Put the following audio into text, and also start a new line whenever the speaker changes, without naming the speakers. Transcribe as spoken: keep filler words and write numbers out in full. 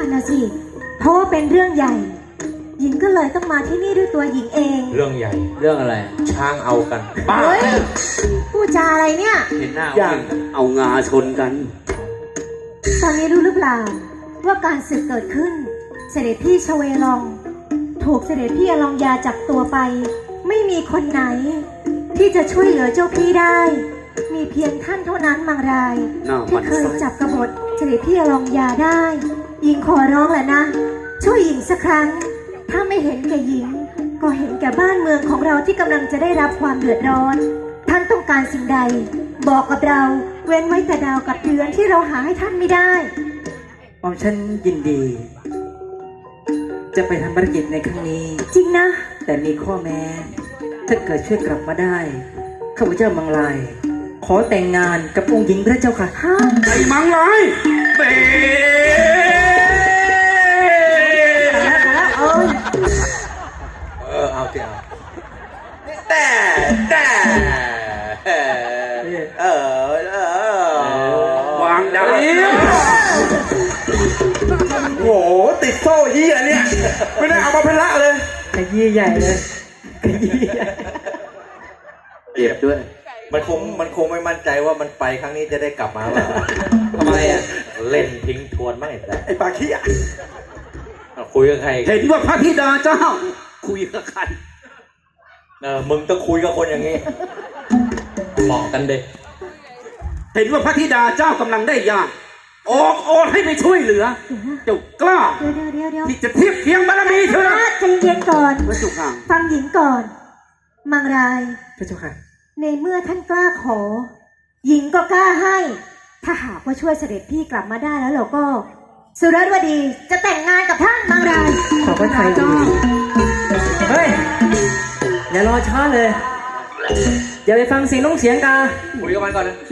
นนะสิเพราะว่าเป็นเรื่องใหญ่หญิงก็เลยต้องมาที่นี่ด้วยตัวหญิงเอง
เรื่องใหญ่
เรื่องอะไร
ช้างเอากันบ้า
เฮ้ยพูดจาอะไรเนี่ย
เห็นหน้า
อย่างเอางาชนกัน
ตอนนี้รู้หรือเปล่าว่าการศึกเกิดขึ้นเสด็จพี่ชเวลองถูกเสด็จพี่อลองยาจับตัวไปไม่มีคนไหนที่จะช่วยเหลือเจ้าพี่ได้มีเพียงท่านเท่านั้นมังราย
น่าหมั่
ที่
นไส้
เคยจับกบฏเสด็จพี่อลองยาได้หญิงขอร้องแหละนะช่วยหญิงสักครั้งถ้าไม่เห็นแก่หญิงก็เห็นแก่บ้านเมืองของเราที่กำลังจะได้รับความเดือดร้อนท่านต้องการสิ่งใดบอกกับเราเว้นไว้แต่ดาวกับเดือนที่เราหาให้ท่านไม่ได้
หม่อมฉันยินดี จะไปทำภารกิจในครั้งนี้
จริงนะ
แต่มีข้อแม้ ถ้าเกิดช่วยกลับมาได้ข้าพเจ้ามังลาย ขอแต่งงานกับองค์หญิงพระเจ้าค่ะ
ฮะ
ไอ้มังลายเตะ
เอ้ย
เออเอาสิเอาแต่แต่เออเออ
วางดาวโอ้โหติดโซ่เหี้ยเนี่ยไม่ได้เอามาเป็นละเลย
ขยี้ใหญ่เลยขยี้ใหญ่
เจ็บด้วย
มันคงมันคงไม่มั่นใจว่ามันไปครั้งนี้จะได้กลับมาหรอ
ทำไมอ่ะ
เล่นทิ้งทวนไม่แต่
ไอ้ปากขี้อ่ะ
คุยกับใคร
เห็นว่าพระธิดาเจ้า คุยกับใคร
เออมึงต้องคุยกับคนอย่างนี้เหมาะกันเด็ก
เห็นว่าพระธิดาเจ้ากำลังได้ยากออกโอนให้ไปช่วยเหลือ เจ้ากล้า
เดี๋ยวเดี๋ยวเดี๋ยว
ที่จะเทียบเคียงบารมีเธอนะ
ใจเย็นก่อน
พระจุกห่าง
ฟังหญิงก่อน มังราย
พระเจ้าค่ะ
ในเมื่อท่านกล้าขอ หญิงก็กล้าให้ ถ้าหากว่าช่วยเสด็จพี่กลับมาได้แล้วเราก็ สุรวดีจะแต่งงานกับท่านมังราย
ขอพระทัยดีเฮ้ย อย่ารอช้าเลย อย่าไปฟังเสียงน้องเสียงกา
คุยกับมันก่อนนะ